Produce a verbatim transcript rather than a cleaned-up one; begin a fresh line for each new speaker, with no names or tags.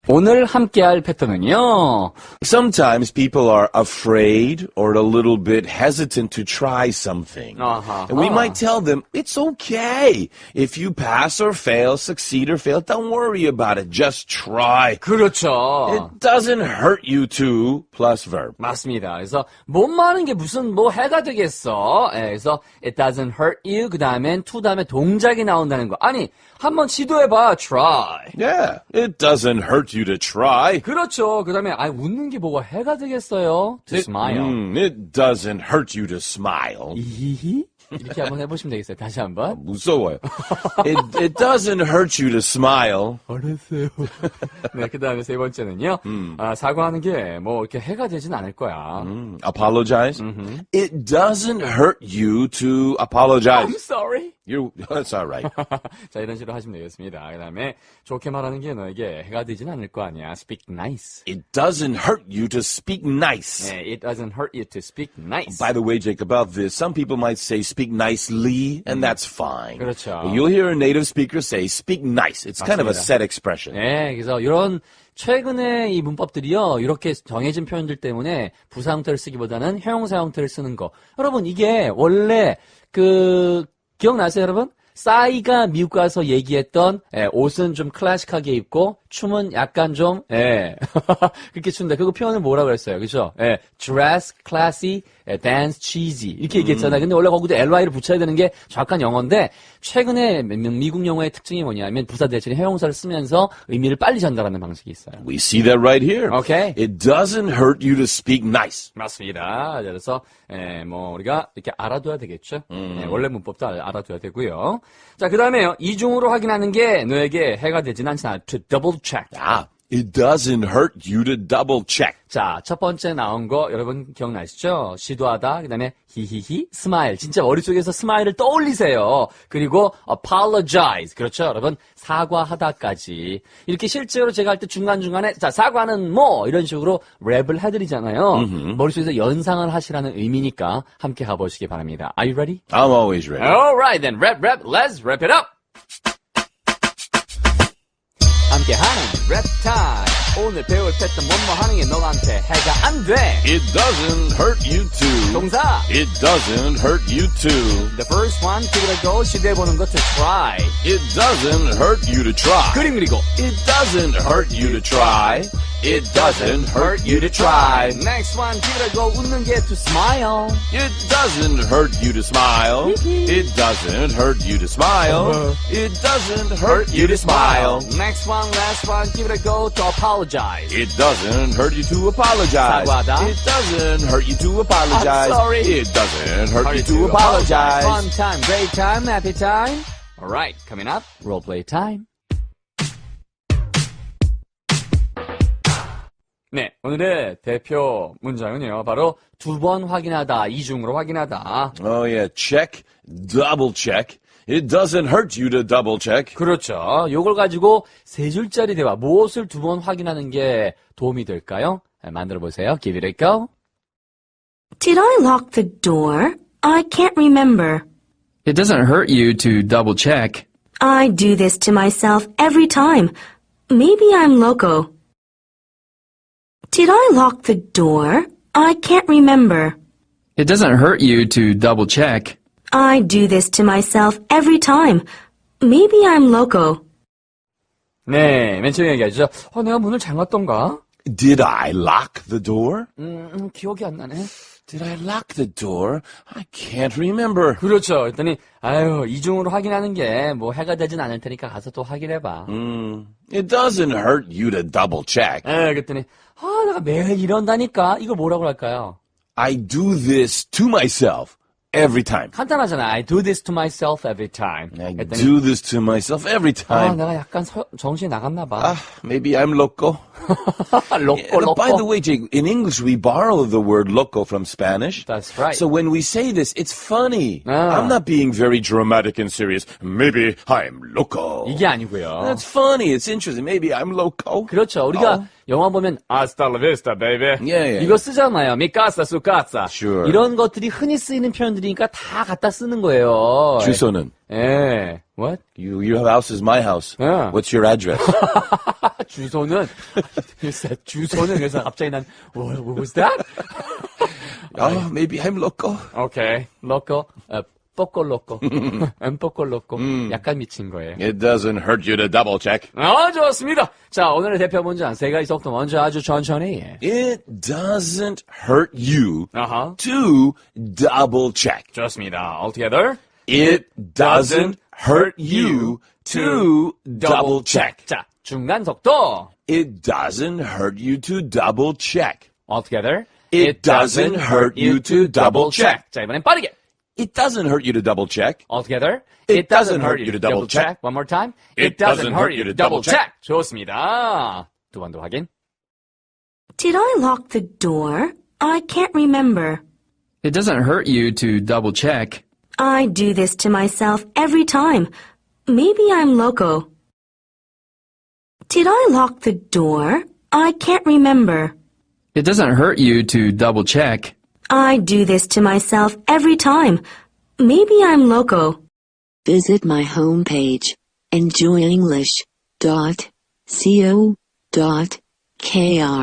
오늘 함께할 패턴은요.
Sometimes people are afraid or a little bit hesitant to try something.
Uh-huh.
And we might tell them, it's okay. If you pass or fail, succeed or fail, don't worry about it. Just try.
그렇죠.
It doesn't hurt you to plus verb.
맞습니다. 그래서 못 마는 게 무슨 뭐 해가 되겠어. 예, 그래서 it doesn't hurt you. 그 다음엔 to 다음에 동작이 나온다는 거. 아니 한번 시도해봐. Try.
Yeah, it doesn't hurt you to try.
그렇죠. 그 다음에 아 웃는 게 뭐가 해가 되겠어요. To smile.
Mm, it doesn't hurt you to smile.
이히히 이렇게 한번 해보시면 되겠어요. 다시 한번.
무서워요. It, it doesn't hurt you to smile.
알았어요. 네, 그 다음에 세 번째는요. 음. 아, 사과하는 게 뭐 이렇게 해가 되진 않을 거야.
Mm, apologize.
Mm-hmm.
It doesn't hurt you to apologize.
I'm sorry.
You, that's all right.
자, 이런 식으로 하시면 되겠습니다. 그 다음에 좋게 말하는 게 너에게 해가 되진 않을 거 아니야. Speak nice.
It doesn't hurt you to speak nice.
네, it doesn't hurt you to speak nice.
By the way, Jake, about this, some people might say speak nicely, and that's fine.
그렇죠.
But you'll hear a native speaker say speak nice. It's kind of a
맞습니다.
set expression.
네, 그래서 이런 최근에 이 문법들이요, 이렇게 정해진 표현들 때문에 부사 형태를 쓰기보다는 형용사 형태를 쓰는 거. 여러분, 이게 원래 그 기억나세요, 여러분? 싸이가 미국 가서 얘기했던 예, 옷은 좀 클래식하게 입고 춤은 약간 좀 예, 그렇게 춘다. 그거 표현을 뭐라고 그랬어요, 그죠? 예, dress classy, 예, dance cheesy 이렇게 얘기했잖아요. 근데 원래 거기도 엘와이를 붙여야 되는 게 정확한 영어인데 최근에 미국 영어의 특징이 뭐냐면 부사 대신에 형용사를 쓰면서 의미를 빨리 전달하는 방식이 있어요.
We see that right here.
Okay.
It doesn't hurt you to speak nice.
맞습니다. 그래서 예, 뭐 우리가 이렇게 알아둬야 되겠죠. 예, 원래 문법도 알- 알아둬야 되고요. 자, 그 다음에요. 이중으로 확인하는 게 너에게 해가 되진 않잖아. To double check.
Ah, it doesn't hurt you to double check.
자, 첫 번째 나온 거 여러분 기억나시죠? 시도하다, 그 다음에 히히히, 스마일. 진짜 머릿속에서 스마일을 떠올리세요. 그리고 apologize. 그렇죠, 여러분? 사과하다까지. 이렇게 실제로 제가 할 때 중간중간에 자, 사과는 뭐 이런 식으로 랩을 해드리잖아요. 머릿속에서 연상을 하시라는 의미니까 함께 가보시기 바랍니다. Are you ready?
I'm always ready.
Alright then, rap, rap, let's wrap it up! 함께하는 랩 타임. 오늘 배울 패턴 뭐뭐 하는 게 너한테 해가 안 돼.
It doesn't hurt you to.
동사.
It doesn't hurt you to.
The first one, give it a go. 시도해보는 것 to try.
It doesn't hurt you to try.
그림 그리고.
It doesn't hurt you to try. It doesn't hurt you to try.
Next one, give it a go. 웃는 게 to smile.
It doesn't hurt you to smile. It doesn't hurt you to smile. It doesn't hurt you to smile.
Next one, last one, give it a go to apologize.
It doesn't hurt you to apologize.
사과하다.
It doesn't hurt you to apologize.
I'm sorry.
It doesn't hurt you to apologize.
Fun time, great time, happy time. Alright, coming up, role play time. 네, 오늘의 대표 문장은요, 바로 두 번 확인하다, 이중으로 확인하다.
Oh yeah, check, double check. It doesn't hurt you to double check.
그렇죠. 요걸 가지고 세 줄짜리 대화, 무엇을 두 번 확인하는 게 도움이 될까요? 네, 만들어 보세요. Give it a go.
Did I lock the door? I can't remember.
It doesn't hurt you to double check.
I do this to myself every time. Maybe I'm loco. Did I lock the door? I can't remember.
It doesn't hurt you to double check.
I do this to myself every time. Maybe I'm loco.
네, 맨 처음에 얘기하죠. 어, 내가 문을 잠갔던가?
Did I lock the door?
음, 음, 기억이 안 나네.
Did I lock the door? I can't remember.
그렇죠. 그랬더니 아유, 이중으로 확인하는 게 뭐 해가 되진 않을 테니까 가서 또 확인해봐.
Mm, it doesn't hurt you to double check.
에, 그랬더니 아, 내가 매일 이런다니까. 이걸 뭐라고 할까요?
I do this to myself every time.
간단하잖아. I do this to myself every time.
I
그랬더니
do this to myself every
아,
time.
내가 약간 서, 정신이 나갔나 봐.
Ah, maybe I'm loco.
로꼬,
And
로꼬.
by the way, Jake, in English we borrow the word loco from Spanish.
That's right.
So when we say this, it's funny.
Ah.
I'm not being very dramatic and serious. Maybe I'm loco.
이게 아니고요.
That's funny. It's interesting. Maybe I'm loco.
그렇죠. 우리가
어?
영화 보면 Hasta la vista, baby.
Yeah, yeah.
이거 쓰잖아요. Mi casa, su casa.
Sure.
이런 것들이 흔히 쓰이는 표현들이니까 다 갖다 쓰는 거예요.
주소는?
예. What?
You, your house is my house.
Yeah.
What's your address?
주소는 글쎄, 주소는 그래서 갑자기 난 what, what was that?
oh, maybe I'm loco.
오케이. loco. 어, poco loco. un poco loco. 약간 미친 거예요.
It doesn't hurt you to double check.
아, 좋습니다. 자, 오늘의 대표 문장 세 가지 속도 먼저 아주 천천히.
It doesn't hurt you
아하.
to double check.
좋습니다. All together.
It doesn't hurt you to double check.
자, 중간 속도.
It doesn't hurt you to double check.
All together.
It doesn't hurt you to double check.
자, 이번엔 빠르게.
It doesn't hurt you to double check.
All together.
It doesn't hurt you to double check.
One more time.
It doesn't hurt you to double check.
좋습니다. 두 번 더 확인.
Did I lock the door? I can't remember.
It doesn't hurt you to double check.
I do this to myself every time. Maybe I'm loco. Did I lock the door? I can't remember.
It doesn't hurt you to double check.
I do this to myself every time. Maybe I'm loco.
Visit my homepage, enjoy english dot co dot k r.